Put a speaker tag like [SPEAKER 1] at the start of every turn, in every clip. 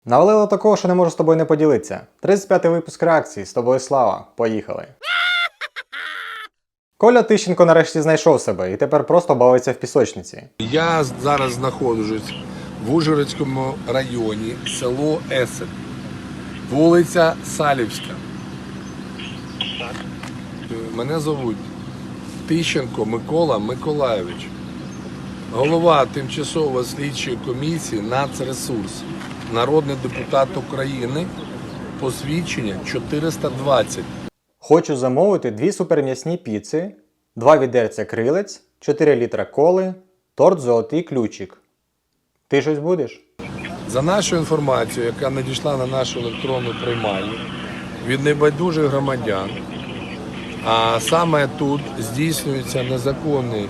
[SPEAKER 1] Навалило такого, що не можу з тобою не поділитися. 35-й випуск реакції. З тобою слава. Поїхали. Коля Тищенко нарешті знайшов себе і тепер просто бавиться в пісочниці.
[SPEAKER 2] Я зараз знаходжусь в Ужгородському районі, село Есен, вулиця Салівська. Мене звуть Тищенко Микола Миколайович, голова тимчасової слідчої комісії «Нацресурс», народний депутат України, посвідчення 420.
[SPEAKER 1] Хочу замовити 2 суперм'ясні піци, 2 відерця крилець, 4 літра коли, торт «Золотий ключик». Ти щось будеш?
[SPEAKER 2] За нашою інформацією, яка надійшла на нашу електронну приймальню від небайдужих громадян, а саме тут здійснюється незаконне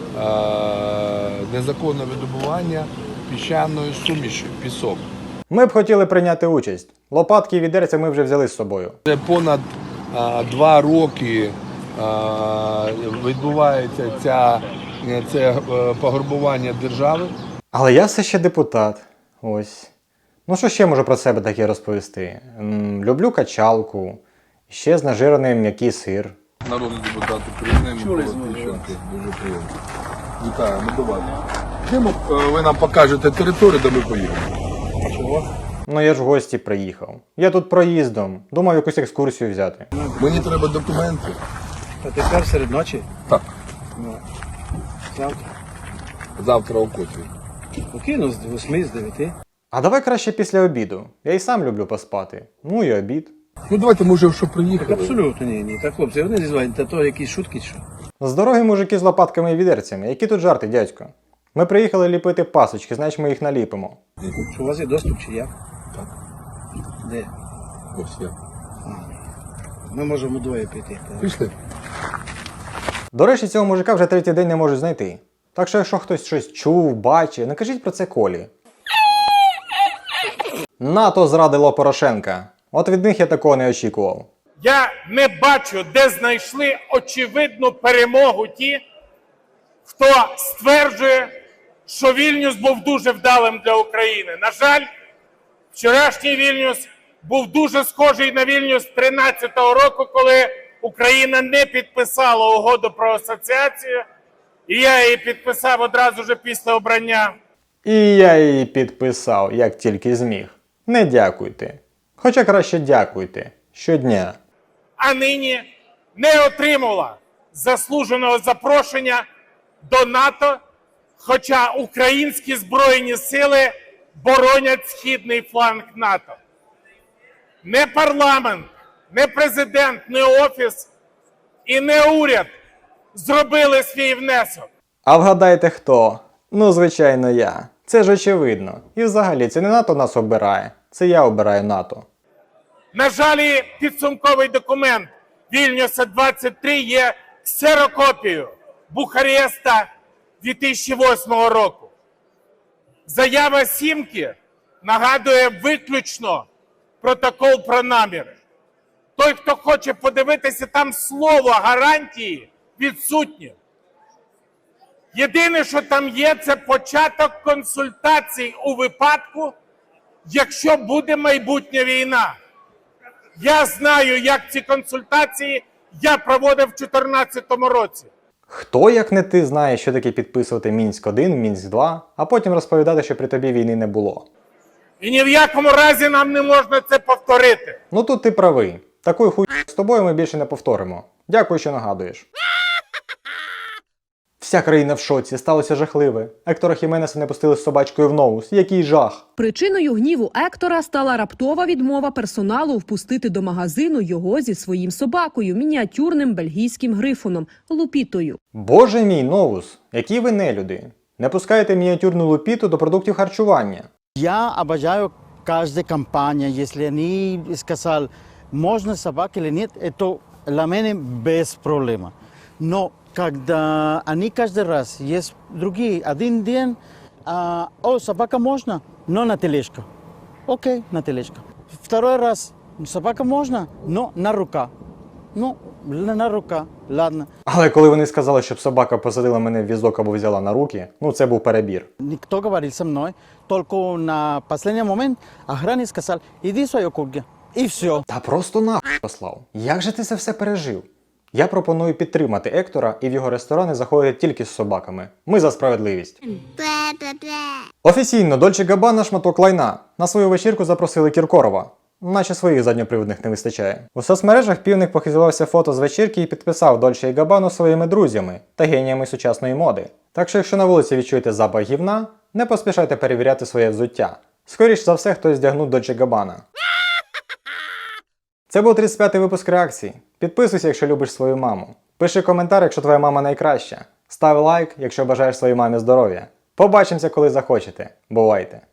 [SPEAKER 2] видобування піщаної суміші, пісок.
[SPEAKER 1] Ми б хотіли прийняти участь. Лопатки і відерця ми вже взяли з собою.
[SPEAKER 2] Вже понад 2 роки відбувається це пограбування держави.
[SPEAKER 1] Але я все ще депутат. Ось. Ну що ще можу про себе таке розповісти? Люблю качалку, ще знажирений м'який сир.
[SPEAKER 2] Народний депутат України Микола Тищенко. Дуже приємно. Вітаємо, до вас. Ви нам покажете територію, де ми поїдемо. Чого?
[SPEAKER 1] Ну я ж в гості приїхав. Я тут проїздом. Думав якусь екскурсію взяти.
[SPEAKER 2] Мені треба документи.
[SPEAKER 3] А тепер серед ночі?
[SPEAKER 2] Так.
[SPEAKER 3] Ну, завтра.
[SPEAKER 2] Завтра о котрій.
[SPEAKER 3] Покину з 8, з 9.
[SPEAKER 1] А давай краще після обіду. Я і сам люблю поспати. Ну і обід.
[SPEAKER 2] Ну давайте, може, що
[SPEAKER 3] Так
[SPEAKER 2] приїхали.
[SPEAKER 3] абсолютно ні. Так, хлопці, вони зізвають, та то якісь шутки чи що.
[SPEAKER 1] З дороги мужики з лопатками і відерцями. Які тут жарти, дядько? Ми приїхали ліпити пасочки, значить ми їх наліпимо.
[SPEAKER 3] Що у вас є доступ чи як?
[SPEAKER 2] Так.
[SPEAKER 3] Де?
[SPEAKER 2] Ось я.
[SPEAKER 3] Ми можемо двоє піти.
[SPEAKER 2] Пішли.
[SPEAKER 1] До речі, цього мужика вже 3-й день не можуть знайти. Так що якщо хтось щось чув, бачив, накажіть про це Колі. НАТО зрадило Порошенка. От від них я такого не очікував.
[SPEAKER 4] Я не бачу, де знайшли очевидну перемогу ті, хто стверджує, що Вільнюс був дуже вдалим для України. На жаль, вчорашній Вільнюс був дуже схожий на Вільнюс 13-го року, коли Україна не підписала угоду про асоціацію, і я її підписав одразу ж після обрання.
[SPEAKER 1] І я її підписав, як тільки зміг. Не дякуйте. Хоча краще дякуйте. Щодня.
[SPEAKER 4] А нині не отримала заслуженого запрошення до НАТО, хоча українські Збройні сили боронять східний фланг НАТО. Не парламент, не президент, не офіс і не уряд зробили свій внесок.
[SPEAKER 1] А вгадайте хто? Ну, звичайно, я. Це ж очевидно. І взагалі, це не НАТО нас обирає. Це я обираю НАТО.
[SPEAKER 4] На жаль, підсумковий документ Вільнюса-23 є ксерокопією Бухареста 2008 року. Заява Сімки нагадує виключно протокол про наміри. Той, хто хоче подивитися, там слово гарантії відсутнє. Єдине, що там є, це початок консультацій у випадку, якщо буде майбутня війна. Я знаю, як ці консультації я проводив в 2014 році.
[SPEAKER 1] Хто, як не ти, знає, що таке підписувати Мінськ-1, Мінськ-2, а потім розповідати, що при тобі війни не було.
[SPEAKER 4] І ні в якому разі нам не можна це повторити.
[SPEAKER 1] Ну тут ти правий. Такою хуйню з тобою ми більше не повторимо. Дякую, що нагадуєш. Вся країна в шоці, сталося жахливе. Ектора Хіменеса не пустили з собачкою в Ноус. Який жах!
[SPEAKER 5] Причиною гніву Ектора стала раптова відмова персоналу впустити до магазину його зі своїм собакою, мініатюрним бельгійським грифоном – Лупітою.
[SPEAKER 1] Боже мій, Новус, які ви нелюди. Не пускаєте мініатюрну Лупіту до продуктів харчування.
[SPEAKER 6] Я обожаю каждая компания, если они сказали, можно собака или нет, это для меня без проблем. Но когда они каждый раз есть другие, один день, собака можно, но на тележка. Окей, на тележка. Второй раз, собака можно, но на рука. Ну, на рука, ладно.
[SPEAKER 1] Але коли вони сказали, щоб собака посадила мене в візок або взяла на руки, ну це був перебір.
[SPEAKER 6] Никто говорил со мной, только на последний момент охранник сказал, иди в свое кухню. И все.
[SPEAKER 1] Та просто нахуй послав. Як же ти це все пережив? Я пропоную підтримати Ектора і в його ресторани заходити тільки з собаками. Ми за справедливість. Офіційно Дольче Габбана шматок лайна. На свою вечірку запросили Кіркорова. Наче своїх задньоприводних не вистачає. У соцмережах півник похизувався фото з вечірки і підписав Дольче і Габбану своїми друзями та геніями сучасної моди. Так що якщо на вулиці відчуєте запах гівна, не поспішайте перевіряти своє взуття. Скоріш за все, хтось здягнув Дольче Габбана. Це був 35-й випуск реакції. Підписуйся, якщо любиш свою маму. Пиши коментар, якщо твоя мама найкраща. Став лайк, якщо бажаєш своїй мамі здоров'я. Побачимося, коли захочете. Бувайте!